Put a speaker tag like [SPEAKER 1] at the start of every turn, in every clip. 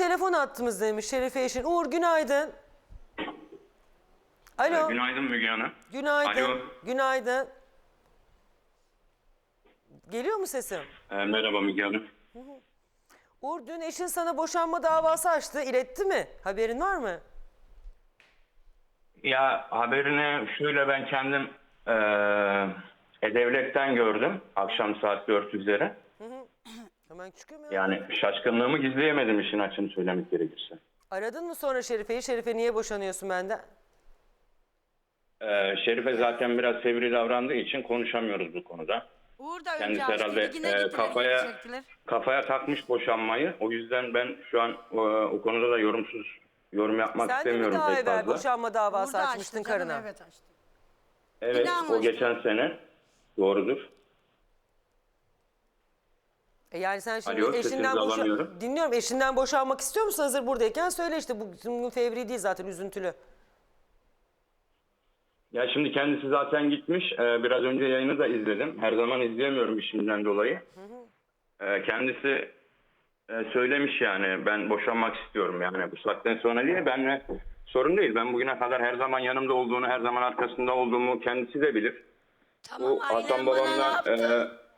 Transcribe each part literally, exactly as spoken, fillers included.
[SPEAKER 1] telefon attığımız demiş Şerife eşin. Uğur günaydın. Alo.
[SPEAKER 2] Günaydın Müge Hanım.
[SPEAKER 1] Günaydın.
[SPEAKER 2] Alo.
[SPEAKER 1] Günaydın. Geliyor mu sesim?
[SPEAKER 2] Ee, merhaba Müge Hanım.
[SPEAKER 1] Uğur dün eşin sana boşanma davası açtı. İletti mi? Haberin var mı?
[SPEAKER 2] Ya haberini şöyle ben kendim ee, E-Devlet'ten gördüm. Akşam saat dört üzeri.
[SPEAKER 1] Hemen çıkıyor mu?
[SPEAKER 2] Yani şaşkınlığımı gizleyemedim işin açığını söylemek gerekirse.
[SPEAKER 1] Aradın mı sonra Şerife'yi? Şerife niye boşanıyorsun benden?
[SPEAKER 2] Ee, Şerife zaten biraz fevri davrandığı için konuşamıyoruz bu konuda.
[SPEAKER 3] Uğur da
[SPEAKER 2] Kendisi
[SPEAKER 3] önce
[SPEAKER 2] herhalde
[SPEAKER 3] açtı, yine
[SPEAKER 2] e,
[SPEAKER 3] gittiler,
[SPEAKER 2] kafaya
[SPEAKER 3] yine çektiler.
[SPEAKER 2] kafaya takmış boşanmayı. O yüzden ben şu an o, o konuda da yorumsuz yorum yapmak
[SPEAKER 1] Sen de mi
[SPEAKER 2] istemiyorum
[SPEAKER 1] daha
[SPEAKER 2] pek
[SPEAKER 1] evvel
[SPEAKER 2] fazla.
[SPEAKER 1] boşanma
[SPEAKER 3] Uğur
[SPEAKER 1] davası
[SPEAKER 3] da
[SPEAKER 1] açmıştın
[SPEAKER 3] açtı canım,
[SPEAKER 1] karına?
[SPEAKER 3] evet açtı.
[SPEAKER 2] Evet,
[SPEAKER 3] Yine
[SPEAKER 2] o
[SPEAKER 3] anlaştık.
[SPEAKER 2] geçen sene. Doğrudur.
[SPEAKER 1] E yani sen şimdi
[SPEAKER 2] Alo,
[SPEAKER 1] eşinden
[SPEAKER 2] sesinizi
[SPEAKER 1] boşa...
[SPEAKER 2] alamıyorum.
[SPEAKER 1] Dinliyorum. Eşinden boşanmak istiyor musun hazır buradayken? Söyle işte. Bugün fevri değil zaten, üzüntülü.
[SPEAKER 2] Ya şimdi kendisi zaten gitmiş. Ee, biraz önce yayını da izledim. Her zaman izleyemiyorum işimden dolayı. Ee, kendisi e, söylemiş yani ben boşanmak istiyorum yani bu saatten sonra diye. Benle sorun değil. Ben bugüne kadar her zaman yanımda olduğunu, her zaman arkasında olduğumu kendisi de bilir.
[SPEAKER 4] Tamam,
[SPEAKER 2] Bu Hasan
[SPEAKER 4] aynen bana ne
[SPEAKER 2] babamdan
[SPEAKER 4] yaptı?
[SPEAKER 2] e,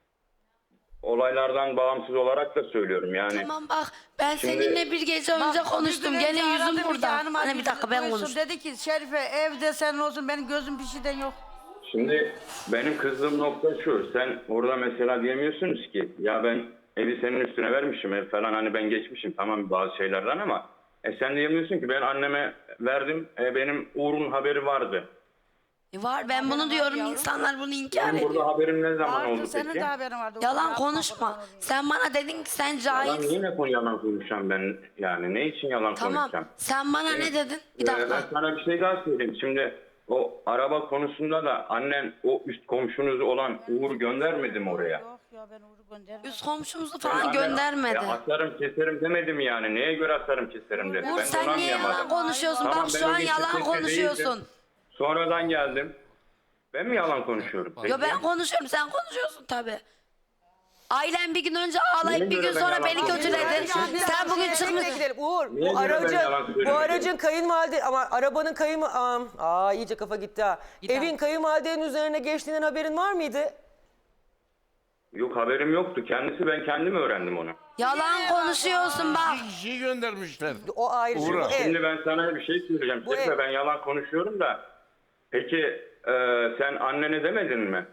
[SPEAKER 2] olaylardan bağımsız olarak da söylüyorum yani.
[SPEAKER 4] Tamam bak, ben
[SPEAKER 2] Şimdi-
[SPEAKER 4] seninle bir gece önce
[SPEAKER 3] Bak,
[SPEAKER 4] konuştum.
[SPEAKER 3] bir gün
[SPEAKER 4] Gene
[SPEAKER 3] önce
[SPEAKER 4] yüzüm
[SPEAKER 3] aradı,
[SPEAKER 4] burada.
[SPEAKER 3] Hanım
[SPEAKER 4] Hani
[SPEAKER 3] abi
[SPEAKER 4] bir dakika ben
[SPEAKER 3] duysun,
[SPEAKER 4] konuştum.
[SPEAKER 3] Dedi ki Şerife evde sen olsun, benim gözüm bir şeyden yok.
[SPEAKER 2] Şimdi benim kızdığım nokta şu. Sen orada mesela diyemiyorsunuz ki ya ben evi senin üstüne vermişim ev falan hani ben geçmişim tamam bazı şeylerden ama e sen diyemiyorsun ki ben anneme verdim e, benim Uğur'un haberi vardı.
[SPEAKER 4] E var, ben bunu diyorum, insanlar bunu inkar
[SPEAKER 2] Benim
[SPEAKER 4] ediyor.
[SPEAKER 2] burada haberim ne zaman
[SPEAKER 3] Vardı,
[SPEAKER 2] oldu
[SPEAKER 3] senin
[SPEAKER 2] peki?
[SPEAKER 3] de haberin vardı.
[SPEAKER 4] Yalan
[SPEAKER 3] Yapma,
[SPEAKER 4] konuşma.
[SPEAKER 3] kurban olayım.
[SPEAKER 4] Sen bana dedin ki sen
[SPEAKER 2] Yalan
[SPEAKER 4] cahilsin.
[SPEAKER 2] niye ne konu yalan konuşacağım ben yani ne için yalan
[SPEAKER 4] Tamam,
[SPEAKER 2] konuşacağım?
[SPEAKER 4] sen bana ne dedin? Bir
[SPEAKER 2] Ee,
[SPEAKER 4] dakika.
[SPEAKER 2] Ben sana bir şey daha söyleyeyim. Şimdi o araba konusunda da annen o üst komşunuz olan Uğur göndermedi mi oraya?
[SPEAKER 3] Yok ya, ben Uğur'u göndermedim.
[SPEAKER 4] Üst komşumuzu
[SPEAKER 2] Ben
[SPEAKER 4] falan
[SPEAKER 2] annem-
[SPEAKER 4] göndermedi.
[SPEAKER 2] Ya atarım keserim demedim yani. Neye göre atarım keserim dedi.
[SPEAKER 4] Uğur
[SPEAKER 2] Ben de
[SPEAKER 4] sen
[SPEAKER 2] onu
[SPEAKER 4] niye yalan
[SPEAKER 2] anlayamadım.
[SPEAKER 4] konuşuyorsun?
[SPEAKER 2] Tamam,
[SPEAKER 4] Bak
[SPEAKER 2] ben
[SPEAKER 4] şu
[SPEAKER 2] o
[SPEAKER 4] an
[SPEAKER 2] gün
[SPEAKER 4] yalan
[SPEAKER 2] kesinlikle
[SPEAKER 4] konuşuyorsun.
[SPEAKER 2] değildim. Sonradan geldim. Ben mi yalan konuşuyorum?
[SPEAKER 4] Yo
[SPEAKER 2] peki?
[SPEAKER 4] ben konuşuyorum, sen konuşuyorsun tabii. Ailen bir gün önce ağlayıp
[SPEAKER 2] Neye
[SPEAKER 4] bir
[SPEAKER 2] göre
[SPEAKER 4] gün
[SPEAKER 2] ben
[SPEAKER 4] sonra
[SPEAKER 2] yalan
[SPEAKER 4] beni
[SPEAKER 2] konuşuyorum?
[SPEAKER 4] kötüledin.
[SPEAKER 3] Neye göre
[SPEAKER 4] Sen bugün
[SPEAKER 3] ben
[SPEAKER 4] çıkmış.
[SPEAKER 1] Nereye gidelim? Uğur
[SPEAKER 2] Niye
[SPEAKER 1] bu
[SPEAKER 2] göre ben
[SPEAKER 1] aracın,
[SPEAKER 2] yalan
[SPEAKER 1] bu
[SPEAKER 2] söylemedim?
[SPEAKER 1] aracın kayınvalide ama arabanın kayın... Aa, aa iyice kafa gitti ha. Evin kayınvalidenin üzerine geçtiğinden haberin var mıydı?
[SPEAKER 2] Yok haberim yoktu. Kendisi ben kendim öğrendim onu.
[SPEAKER 4] Yalan konuşuyorsun bak.
[SPEAKER 5] Bir kişiyi göndermişler.
[SPEAKER 1] O ayrı.
[SPEAKER 5] Uğur'a.
[SPEAKER 1] Bu ev.
[SPEAKER 2] Şimdi ben sana bir şey söyleyeceğim.
[SPEAKER 1] Bu
[SPEAKER 2] Şerife
[SPEAKER 1] ev.
[SPEAKER 2] ben yalan konuşuyorum da. Peki e, sen annene demedin mi?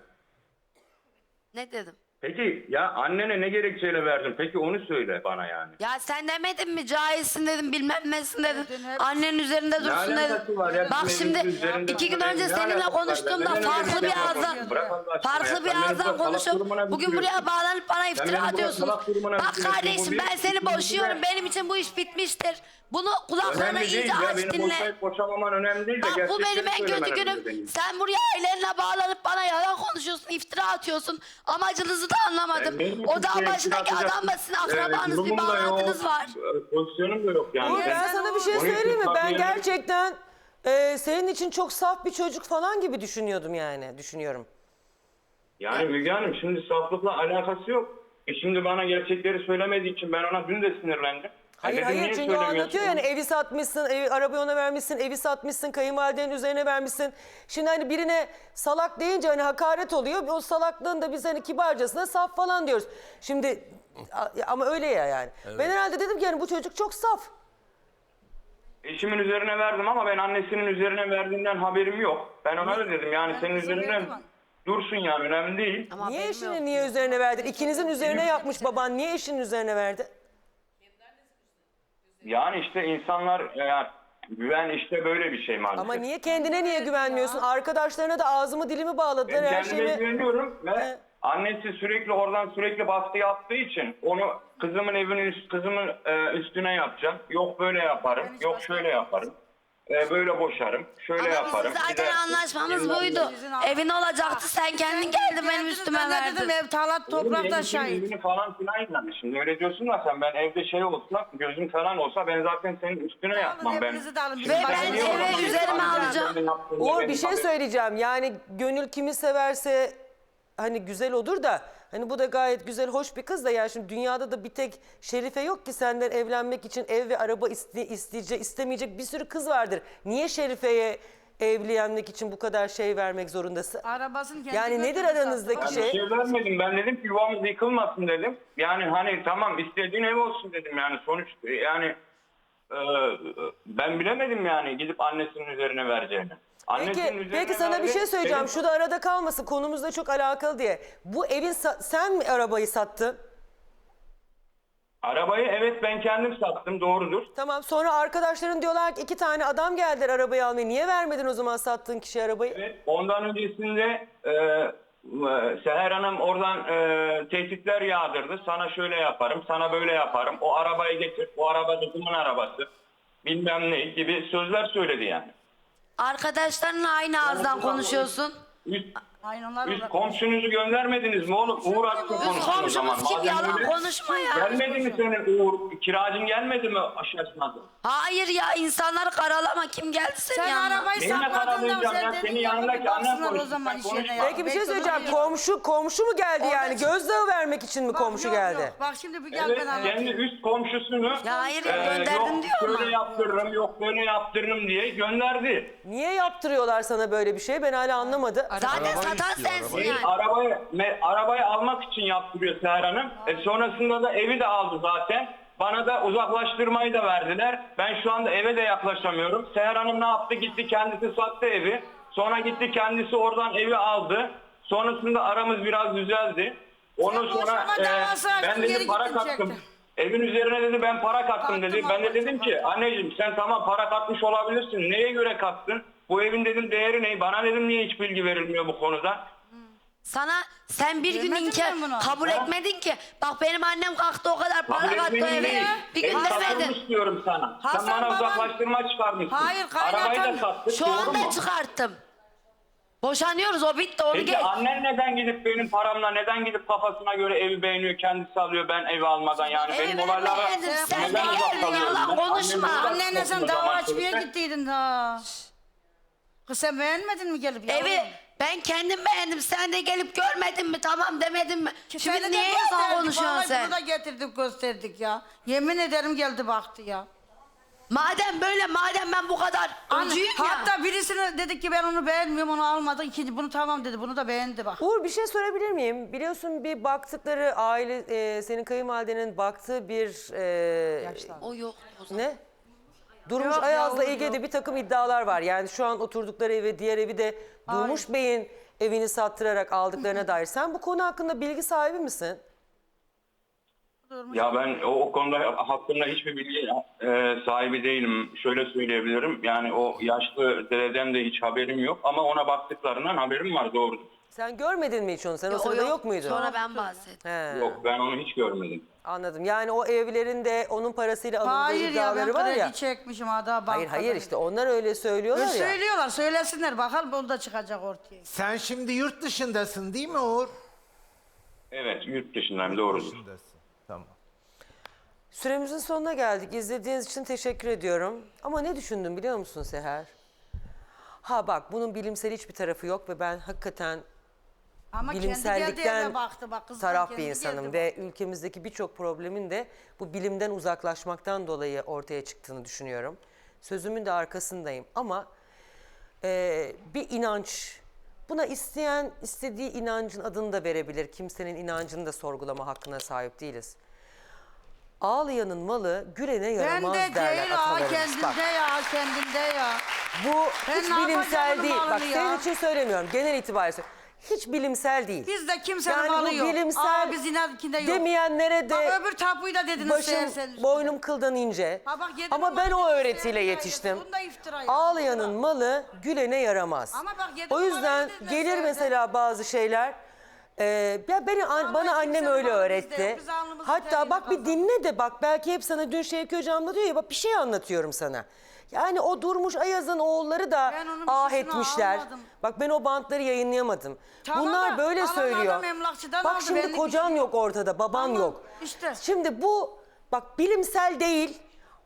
[SPEAKER 4] Ne dedim?
[SPEAKER 2] Peki ya annene ne gerekçeyle verdin? Peki onu söyle bana yani.
[SPEAKER 4] Ya sen demedin mi cahilsin dedim, bilmem nesin dedin.
[SPEAKER 3] Dedin, hep-
[SPEAKER 4] Annenin üzerinde dursun
[SPEAKER 2] alakası
[SPEAKER 4] dedin.
[SPEAKER 2] var ya?
[SPEAKER 4] Bak
[SPEAKER 2] Bizim
[SPEAKER 4] şimdi
[SPEAKER 2] evimizin üzerinde
[SPEAKER 4] iki gün
[SPEAKER 2] dursun
[SPEAKER 4] önce
[SPEAKER 2] dedin. Ne
[SPEAKER 4] seninle
[SPEAKER 2] alakası var?
[SPEAKER 4] konuştuğumda
[SPEAKER 2] Neden öyle
[SPEAKER 4] farklı
[SPEAKER 2] bir
[SPEAKER 4] bir
[SPEAKER 2] şey
[SPEAKER 4] ağızdan
[SPEAKER 2] yapıyorsun? Bırak Allah aşkına ya.
[SPEAKER 4] farklı bir
[SPEAKER 2] Sen beni
[SPEAKER 4] ağızdan
[SPEAKER 2] burada salak
[SPEAKER 4] konuşup
[SPEAKER 2] durumuna
[SPEAKER 4] bugün
[SPEAKER 2] düşürüyorsun.
[SPEAKER 4] buraya bağlanıp bana
[SPEAKER 2] beni
[SPEAKER 4] iftira
[SPEAKER 2] burada
[SPEAKER 4] atıyorsunuz.
[SPEAKER 2] salak durumuna
[SPEAKER 4] Bak
[SPEAKER 2] düşürüyorsun. Bu
[SPEAKER 4] kardeşim,
[SPEAKER 2] bir-
[SPEAKER 4] ben seni
[SPEAKER 2] ikinci
[SPEAKER 4] boşuyorum.
[SPEAKER 2] de-
[SPEAKER 4] Benim için bu iş bitmiştir. Bunu kulaklarına
[SPEAKER 2] Önemli değil
[SPEAKER 4] iyice
[SPEAKER 2] ya.
[SPEAKER 4] aç
[SPEAKER 2] Beni
[SPEAKER 4] dinle.
[SPEAKER 2] boşayıp boşamaman önemli değil de.
[SPEAKER 4] Bak bu
[SPEAKER 2] gerçekleri
[SPEAKER 4] benim en kötü
[SPEAKER 2] söylemen
[SPEAKER 4] günüm.
[SPEAKER 2] önemli benim.
[SPEAKER 4] Sen buraya ailenle bağlanıp bana yalan konuşuyorsun, iftira atıyorsun. Amacınızı da anlamadım.
[SPEAKER 2] Ben benim
[SPEAKER 4] O
[SPEAKER 2] hiçbir
[SPEAKER 4] dağ
[SPEAKER 2] şeye
[SPEAKER 4] başındaki
[SPEAKER 2] iftira
[SPEAKER 4] adamla sizin akrabanız, bir
[SPEAKER 2] durumum da yok,
[SPEAKER 4] bağlantınız var.
[SPEAKER 2] e, Pozisyonum da yok yani.
[SPEAKER 1] Uğur ben sana bir şey
[SPEAKER 2] Onun için
[SPEAKER 1] söyleyeyim mi? Ben
[SPEAKER 2] tabii yani-
[SPEAKER 1] gerçekten e, senin için çok saf bir çocuk falan gibi düşünüyordum yani. Düşünüyorum.
[SPEAKER 2] Yani Müge Hanım şimdi saflıkla alakası yok. E şimdi bana gerçekleri söylemediği için ben ona dün de sinirlendim.
[SPEAKER 1] Hayır
[SPEAKER 2] dedim,
[SPEAKER 1] hayır
[SPEAKER 2] niye
[SPEAKER 1] çünkü o
[SPEAKER 2] söylemiyorsun?
[SPEAKER 1] anlatıyor yani evi satmışsın, evi, arabayı ona vermişsin, evi satmışsın, kayınvalidenin üzerine vermişsin. Şimdi hani birine salak deyince hani hakaret oluyor. O salaklığın da biz hani kibarcasına saf falan diyoruz. Şimdi a- ama öyle ya yani. Ben herhalde dedim ki yani bu çocuk çok saf.
[SPEAKER 2] Eşimin üzerine verdim ama ben annesinin üzerine verdiğinden haberim yok. Ben ona da dedim yani senin
[SPEAKER 3] kızım
[SPEAKER 2] üzerine
[SPEAKER 3] verdim.
[SPEAKER 2] dursun yani önemli değil.
[SPEAKER 4] Ama
[SPEAKER 1] Niye
[SPEAKER 4] benim
[SPEAKER 1] eşinin
[SPEAKER 4] yok.
[SPEAKER 1] niye üzerine verdin? İkinizin üzerine yapmış baban. Niye eşinin üzerine verdi?
[SPEAKER 2] Yani işte insanlar yani güven işte böyle bir şey maalesef.
[SPEAKER 1] Ama niye kendine niye güvenmiyorsun? Arkadaşlarına da ağzımı dilimi bağladılar
[SPEAKER 2] Ben
[SPEAKER 1] her
[SPEAKER 2] kendime
[SPEAKER 1] şeyimi.
[SPEAKER 2] güveniyorum ve
[SPEAKER 1] He.
[SPEAKER 2] annesi sürekli oradan sürekli baskı yaptığı için onu kızımın evinin üst, kızımın e, üstüne yapacağım. Yok böyle yaparım,
[SPEAKER 3] Ben hiç
[SPEAKER 2] yok
[SPEAKER 3] baskı
[SPEAKER 2] şöyle yaparım. E, böyle boşarım, şöyle
[SPEAKER 4] Ama
[SPEAKER 2] yaparım.
[SPEAKER 4] bizim
[SPEAKER 2] Bir de-
[SPEAKER 4] zaten anlaşmamız buydu.
[SPEAKER 3] Sizin al-
[SPEAKER 4] Evin olacaktı, sen kendin geldin benim üstüme
[SPEAKER 3] Ben de dedim
[SPEAKER 4] verdin.
[SPEAKER 3] ev talat
[SPEAKER 2] Oğlum,
[SPEAKER 3] toprakta
[SPEAKER 2] benim için
[SPEAKER 3] şahit.
[SPEAKER 2] evini falan filan yani. Şimdi öyle diyorsun da sen ben evde şey olsa, gözüm falan olsa ben zaten senin üstüne yapmam ben.
[SPEAKER 3] hepinizi de alın.
[SPEAKER 2] Şimdi
[SPEAKER 3] Ve
[SPEAKER 2] sen
[SPEAKER 3] ben
[SPEAKER 2] niye
[SPEAKER 3] eve
[SPEAKER 2] o zaman
[SPEAKER 4] üzerime
[SPEAKER 2] kendi
[SPEAKER 4] alacağım.
[SPEAKER 2] yaptığında
[SPEAKER 1] Uğur
[SPEAKER 2] benim
[SPEAKER 1] bir şey
[SPEAKER 2] haberim-
[SPEAKER 1] söyleyeceğim. Yani gönül kimi severse hani güzel olur da hani bu da gayet güzel hoş bir kız da yani şimdi dünyada da bir tek Şerife yok ki senden evlenmek için ev ve araba iste, isteyecek istemeyecek bir sürü kız vardır. Niye Şerife'ye evlenmek için bu kadar şey vermek zorundasın?
[SPEAKER 3] Arabasını kendi
[SPEAKER 1] Yani nedir
[SPEAKER 3] götürdü
[SPEAKER 1] aranızdaki
[SPEAKER 3] zaten.
[SPEAKER 2] Bir
[SPEAKER 1] şey?
[SPEAKER 2] şey vermedim. Ben dedim ki yuvamız yıkılmasın dedim. Yani hani tamam istediğin ev olsun dedim yani sonuç yani e, ben bilemedim yani gidip annesinin üzerine vereceğini. Annesinin
[SPEAKER 1] Peki,
[SPEAKER 2] üzerine
[SPEAKER 1] peki sana bir şey
[SPEAKER 2] verdi,
[SPEAKER 1] söyleyeceğim.
[SPEAKER 2] benim-
[SPEAKER 1] Şu da arada kalmasın. Konumuzla çok alakalı diye. Bu evin sa- sen mi arabayı sattın?
[SPEAKER 2] Arabayı evet ben kendim sattım doğrudur.
[SPEAKER 1] Tamam. Sonra arkadaşların diyorlar ki iki tane adam geldiler arabayı almaya. Niye vermedin o zaman sattığın kişiye arabayı?
[SPEAKER 2] Evet, ondan öncesinde e, e, Seher Hanım oradan e, tehditler yağdırdı. Sana şöyle yaparım, sana böyle yaparım. O arabayı getir, o araba kızımın arabası. Bilmem ne gibi sözler söyledi yani.
[SPEAKER 4] Arkadaşlarınla aynı ağızdan konuşuyorsun.
[SPEAKER 2] Üst,
[SPEAKER 3] Aynen onlar
[SPEAKER 2] üst
[SPEAKER 3] olarak-
[SPEAKER 2] komşunuzu göndermediniz mi oğlum? Uğur Aksu
[SPEAKER 3] Üst
[SPEAKER 2] konuşsun o zaman.
[SPEAKER 4] Komşumuz kim?
[SPEAKER 2] Madem
[SPEAKER 4] Yalan
[SPEAKER 2] öyle.
[SPEAKER 4] konuşma ya.
[SPEAKER 2] Gelmedi mi senin Uğur? Kiracın gelmedi mi aşağısına?
[SPEAKER 4] Hayır ya, insanları karalama. Kim geldi senin
[SPEAKER 3] Sen
[SPEAKER 4] yanına?
[SPEAKER 3] arabayı
[SPEAKER 2] Benimle
[SPEAKER 3] sakladın da
[SPEAKER 2] karalayacağım ya,
[SPEAKER 3] sen
[SPEAKER 2] senin
[SPEAKER 3] dedin ya,
[SPEAKER 2] yanındaki
[SPEAKER 3] bir
[SPEAKER 2] annen
[SPEAKER 3] baksınlar o
[SPEAKER 2] konuşsun,
[SPEAKER 3] zaman
[SPEAKER 2] sen
[SPEAKER 3] işine
[SPEAKER 2] konuşma.
[SPEAKER 3] ya.
[SPEAKER 1] Peki bir şey
[SPEAKER 3] Bekle,
[SPEAKER 1] söyleyeceğim.
[SPEAKER 3] dur.
[SPEAKER 1] Komşu komşu mu geldi
[SPEAKER 3] Orada
[SPEAKER 1] yani?
[SPEAKER 3] çık-
[SPEAKER 1] Gözdağı vermek için mi
[SPEAKER 3] Bak,
[SPEAKER 1] komşu
[SPEAKER 3] yok,
[SPEAKER 1] geldi?
[SPEAKER 3] yok. Bak şimdi bir gel
[SPEAKER 2] Evet,
[SPEAKER 3] ben anlatayım.
[SPEAKER 2] kendi üst komşusunu
[SPEAKER 4] Ya hayır ya,
[SPEAKER 2] e,
[SPEAKER 4] gönderdim
[SPEAKER 2] yok
[SPEAKER 4] diyor ama.
[SPEAKER 2] şöyle yaptırırım, yok böyle yaptırırım diye gönderdi.
[SPEAKER 1] Niye yaptırıyorlar sana böyle bir şey? Ben hala anlamadım.
[SPEAKER 4] Zaten satan sensin
[SPEAKER 2] Değil,
[SPEAKER 4] yani.
[SPEAKER 2] arabayı, me- arabayı almak için yaptırıyor Seher Hanım. E, sonrasında da evi de aldı zaten. Bana da uzaklaştırmayı da verdiler. Ben şu anda eve de yaklaşamıyorum. Seher Hanım ne yaptı? Gitti kendisi sattı evi. Sonra gitti kendisi oradan evi aldı. Sonrasında aramız biraz düzeldi. Ondan
[SPEAKER 3] Sen
[SPEAKER 2] sonra
[SPEAKER 3] boşanma
[SPEAKER 2] e,
[SPEAKER 3] davası açtın,
[SPEAKER 2] ben dedi
[SPEAKER 3] geri
[SPEAKER 2] para
[SPEAKER 3] gittin,
[SPEAKER 2] kattım.
[SPEAKER 3] çektin.
[SPEAKER 2] Evin üzerine dedi ben para kattım
[SPEAKER 3] Kattım
[SPEAKER 2] dedi. Ben de
[SPEAKER 3] ablacığım,
[SPEAKER 2] dedim ki
[SPEAKER 3] kattım.
[SPEAKER 2] anneciğim sen tamam para katmış olabilirsin. Neye göre kattın? Bu evin dedim değeri ne? Bana dedim niye hiç bilgi verilmiyor bu konuda?
[SPEAKER 4] Sana sen bir gün
[SPEAKER 3] Demedin mi
[SPEAKER 4] inkar
[SPEAKER 3] bunu?
[SPEAKER 4] kabul
[SPEAKER 2] Ha?
[SPEAKER 4] etmedin ki. Bak benim annem kalktı o kadar para
[SPEAKER 2] Kabul
[SPEAKER 4] kattı o
[SPEAKER 2] etmenin
[SPEAKER 4] eve.
[SPEAKER 2] değil.
[SPEAKER 4] Bir
[SPEAKER 2] Ev
[SPEAKER 4] gün demedin.
[SPEAKER 2] satılmış diyorum sana.
[SPEAKER 3] Hasan
[SPEAKER 2] Sen bana
[SPEAKER 3] baban-
[SPEAKER 2] uzaklaştırma çıkarmışsın.
[SPEAKER 3] Hayır,
[SPEAKER 2] Arabayı
[SPEAKER 3] kaynatan-
[SPEAKER 2] da sattık.
[SPEAKER 4] Şu
[SPEAKER 2] doğru
[SPEAKER 4] anda
[SPEAKER 2] mu?
[SPEAKER 4] çıkarttım. Boşanıyoruz, o bitti, onu
[SPEAKER 2] Peki
[SPEAKER 4] geç.
[SPEAKER 2] annen neden gidip benim paramla neden gidip kafasına göre evi beğeniyor kendisi alıyor ben evi almadan yani
[SPEAKER 4] Evi
[SPEAKER 2] benim olaylara
[SPEAKER 4] beğendim, sen
[SPEAKER 2] neden
[SPEAKER 4] de
[SPEAKER 2] uzak
[SPEAKER 4] geldin,
[SPEAKER 2] kalıyorum
[SPEAKER 4] yalan
[SPEAKER 2] ben?
[SPEAKER 4] konuşma.
[SPEAKER 2] Annemi uzak
[SPEAKER 3] Annenle sen
[SPEAKER 2] tuttum o
[SPEAKER 3] dava
[SPEAKER 2] zaman
[SPEAKER 3] açmaya
[SPEAKER 2] çocuklar.
[SPEAKER 3] gittiydin ha. Kız sen beğenmedin mi gelip yavrum?
[SPEAKER 4] Evi ben kendim beğendim, sen de gelip görmedin mi, tamam demedin mi?
[SPEAKER 3] Seni
[SPEAKER 4] Şimdi
[SPEAKER 3] de
[SPEAKER 4] niye yalan
[SPEAKER 3] gösterdik,
[SPEAKER 4] konuşuyorsun
[SPEAKER 3] vallahi
[SPEAKER 4] sen?
[SPEAKER 3] Bunu da getirdik gösterdik ya. Yemin ederim geldi baktı ya.
[SPEAKER 4] Madem böyle, madem ben bu kadar
[SPEAKER 3] Anne,
[SPEAKER 4] öcüyüm ya.
[SPEAKER 3] hatta birisine dedik ki ben onu beğenmiyorum, onu almadı. İkinci bunu tamam dedi, bunu da beğendi bak.
[SPEAKER 1] Uğur bir şey sorabilir miyim? Biliyorsun bir baktıkları aile e, senin kayınvalidenin baktığı bir e,
[SPEAKER 4] O yok o zaman.
[SPEAKER 1] ne? Durmuş
[SPEAKER 3] Yok,
[SPEAKER 1] Ayaz'la
[SPEAKER 3] yok,
[SPEAKER 1] ilgili de
[SPEAKER 3] yok.
[SPEAKER 1] bir takım iddialar var. Yani şu an oturdukları evi, diğer evi de Durmuş Bey'in evini sattırarak aldıklarına dair. Sen bu konu hakkında bilgi sahibi misin?
[SPEAKER 2] Ya ben o, o konuda hakkında hiçbir bilgi e, sahibi değilim. Şöyle söyleyebilirim. Yani o yaşlı dededen de hiç haberim yok. Ama ona baktıklarından haberim var doğru.
[SPEAKER 1] Sen görmedin mi hiç onu? Sen o
[SPEAKER 4] O
[SPEAKER 1] sırada yok, muydun?
[SPEAKER 4] Sonra ben bahsettim.
[SPEAKER 1] He,
[SPEAKER 2] Yok ben onu hiç görmedim.
[SPEAKER 1] anladım. Yani o evlerin de onun parasıyla alındığı
[SPEAKER 3] Hayır ya, ben
[SPEAKER 1] iddiaları var
[SPEAKER 3] kredi
[SPEAKER 1] ya.
[SPEAKER 3] çekmişim ha daha
[SPEAKER 1] Hayır
[SPEAKER 3] bankadan.
[SPEAKER 1] hayır işte onlar öyle söylüyorlar
[SPEAKER 3] Öyle
[SPEAKER 1] ya.
[SPEAKER 3] söylüyorlar, söylesinler bakalım o da çıkacak ortaya.
[SPEAKER 5] Sen şimdi yurt dışındasın değil mi Uğur?
[SPEAKER 2] Evet yurt dışındayım doğrudur.
[SPEAKER 5] Dışındasın. Tamam.
[SPEAKER 1] Süremizin sonuna geldik. İzlediğiniz için teşekkür ediyorum. Ama ne düşündüm biliyor musun Seher? Ha bak bunun bilimsel hiçbir tarafı yok ve ben hakikaten
[SPEAKER 3] Ama kendi geldi
[SPEAKER 1] bilimsellikten
[SPEAKER 3] eve baktı bak kız.
[SPEAKER 1] taraf bir insanım ve ülkemizdeki birçok problemin de bu bilimden uzaklaşmaktan dolayı ortaya çıktığını düşünüyorum. Sözümün de arkasındayım ama e, bir inanç, buna isteyen istediği inancın adını da verebilir. Kimsenin inancını da sorgulama hakkına sahip değiliz. Ağlayanın malı gülene
[SPEAKER 3] Ben
[SPEAKER 1] yaramaz
[SPEAKER 3] de
[SPEAKER 1] derler
[SPEAKER 3] değil ha
[SPEAKER 1] atalarımız.
[SPEAKER 3] kendinde
[SPEAKER 1] Bak,
[SPEAKER 3] ya kendinde ya.
[SPEAKER 1] bu
[SPEAKER 3] Ben
[SPEAKER 1] hiç
[SPEAKER 3] ne
[SPEAKER 1] bilimsel
[SPEAKER 3] yapacağım
[SPEAKER 1] değil.
[SPEAKER 3] malını
[SPEAKER 1] Bak
[SPEAKER 3] ya?
[SPEAKER 1] senin için söylemiyorum. Genel itibariyle söylüyorum. Hiç bilimsel değil.
[SPEAKER 3] Bizde kimsenin
[SPEAKER 1] Yani
[SPEAKER 3] malı
[SPEAKER 1] bu
[SPEAKER 3] yok.
[SPEAKER 1] bilimsel
[SPEAKER 3] Aa, biz inankinde yok.
[SPEAKER 1] demeyenlere de
[SPEAKER 3] Bak öbür tapuyu da dediniz
[SPEAKER 1] başım,
[SPEAKER 3] serseniz.
[SPEAKER 1] boynum kıldan ince.
[SPEAKER 3] Ha bak, yedi
[SPEAKER 1] Ama ben o
[SPEAKER 3] numara
[SPEAKER 1] öğretiyle
[SPEAKER 3] dediler,
[SPEAKER 1] yetiştim.
[SPEAKER 3] bunda iftira ya,
[SPEAKER 1] Ağlayanın
[SPEAKER 3] iftira.
[SPEAKER 1] malı gülene yaramaz.
[SPEAKER 3] Ama bak, yedi
[SPEAKER 1] O yüzden
[SPEAKER 3] numara dediler,
[SPEAKER 1] gelir
[SPEAKER 3] serseniz.
[SPEAKER 1] mesela bazı şeyler. E, ya beni,
[SPEAKER 3] Ama
[SPEAKER 1] bana annem
[SPEAKER 3] kimsenin
[SPEAKER 1] öyle
[SPEAKER 3] malı bizde
[SPEAKER 1] öğretti.
[SPEAKER 3] yok, biz alnımızın
[SPEAKER 1] Hatta
[SPEAKER 3] teriyle
[SPEAKER 1] bak bir
[SPEAKER 3] kazandık.
[SPEAKER 1] dinle de bak belki hep sana dün Şevki Hocam da diyor ya bak bir şey anlatıyorum sana. Yani o Durmuş Ayaz'ın oğulları da
[SPEAKER 3] Ben onun
[SPEAKER 1] ah
[SPEAKER 3] bir sesini
[SPEAKER 1] etmişler.
[SPEAKER 3] almadım.
[SPEAKER 1] Bak ben o bantları yayınlayamadım.
[SPEAKER 3] Tamam
[SPEAKER 1] Bunlar
[SPEAKER 3] da
[SPEAKER 1] böyle
[SPEAKER 3] alan
[SPEAKER 1] söylüyor.
[SPEAKER 3] adam emlakçıdan
[SPEAKER 1] Bak
[SPEAKER 3] aldı,
[SPEAKER 1] şimdi
[SPEAKER 3] benlik
[SPEAKER 1] kocan
[SPEAKER 3] bir şey
[SPEAKER 1] yok ortada, baban
[SPEAKER 3] Tamam,
[SPEAKER 1] yok.
[SPEAKER 3] işte.
[SPEAKER 1] Şimdi bu bak bilimsel değil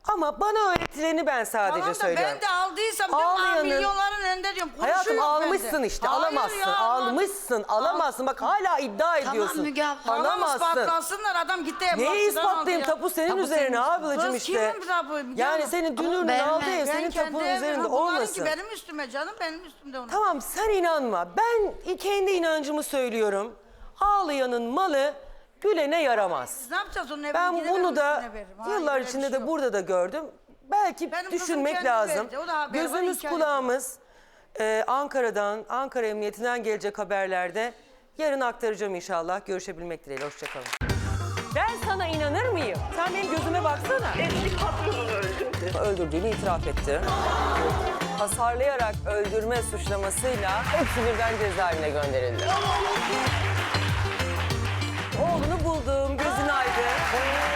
[SPEAKER 1] Ama bana öğretileni ben sadece
[SPEAKER 3] Tamam da
[SPEAKER 1] söylüyorum.
[SPEAKER 3] ben de aldıysam diyorum,
[SPEAKER 1] Ağlayanın-
[SPEAKER 3] "Aa, milyonların önünde diyorum.
[SPEAKER 1] Hayatım
[SPEAKER 3] Konuşuyor
[SPEAKER 1] almışsın
[SPEAKER 3] bende."
[SPEAKER 1] işte,
[SPEAKER 3] Hayır
[SPEAKER 1] alamazsın.
[SPEAKER 3] ya,
[SPEAKER 1] almışsın, alamazsın. Bak hala iddia ediyorsun.
[SPEAKER 4] Müge abla.
[SPEAKER 3] Tamam
[SPEAKER 1] Alamazsın.
[SPEAKER 3] ispatlasınlar, adam gitti.
[SPEAKER 1] Neyi
[SPEAKER 3] emlakçıdan aldı
[SPEAKER 1] ispatlayayım?
[SPEAKER 3] ya.
[SPEAKER 1] Tapu senin
[SPEAKER 4] Tapu
[SPEAKER 1] üzerine
[SPEAKER 4] senin
[SPEAKER 1] ablacığım
[SPEAKER 3] Kız
[SPEAKER 1] işte.
[SPEAKER 3] kimin tapu?
[SPEAKER 1] Yani senin dünürünün
[SPEAKER 4] ben-
[SPEAKER 1] aldığı ev
[SPEAKER 3] Ben
[SPEAKER 1] senin
[SPEAKER 3] kendi
[SPEAKER 1] tapunun
[SPEAKER 3] evim,
[SPEAKER 1] üzerinde
[SPEAKER 3] ha, bunlarınki
[SPEAKER 1] olmasın.
[SPEAKER 3] benim üstüme canım, benim üstümde onun.
[SPEAKER 1] Tamam sen inanma. Ben kendi inancımı söylüyorum. Ağlayanın malı gülene yaramaz.
[SPEAKER 3] Biz ne yapacağız onun evine?
[SPEAKER 1] Ben
[SPEAKER 3] gidene
[SPEAKER 1] bunu da
[SPEAKER 3] üstüne veririm. Hayır,
[SPEAKER 1] yıllar
[SPEAKER 3] öyle bir
[SPEAKER 1] içinde
[SPEAKER 3] şey
[SPEAKER 1] de
[SPEAKER 3] yok.
[SPEAKER 1] burada da gördüm. Belki
[SPEAKER 3] Benim kızım
[SPEAKER 1] düşünmek
[SPEAKER 3] kendi
[SPEAKER 1] lazım.
[SPEAKER 3] verdi, o da haberi var,
[SPEAKER 1] Gözümüz
[SPEAKER 3] inkar
[SPEAKER 1] kulağımız e, Ankara'dan, Ankara Emniyetinden gelecek haberlerde yarın aktaracağım inşallah. Görüşebilmek dileğiyle. Hoşçakalın. Ben sana inanır mıyım? Sen benim gözüme baksana.
[SPEAKER 6] Eski patronunu öldürdü.
[SPEAKER 1] Öldürdüğünü itiraf etti. Hasarlayarak öldürme suçlamasıyla hepsi birden cezaevine gönderildi. Oğlunu buldum, gözün aydın.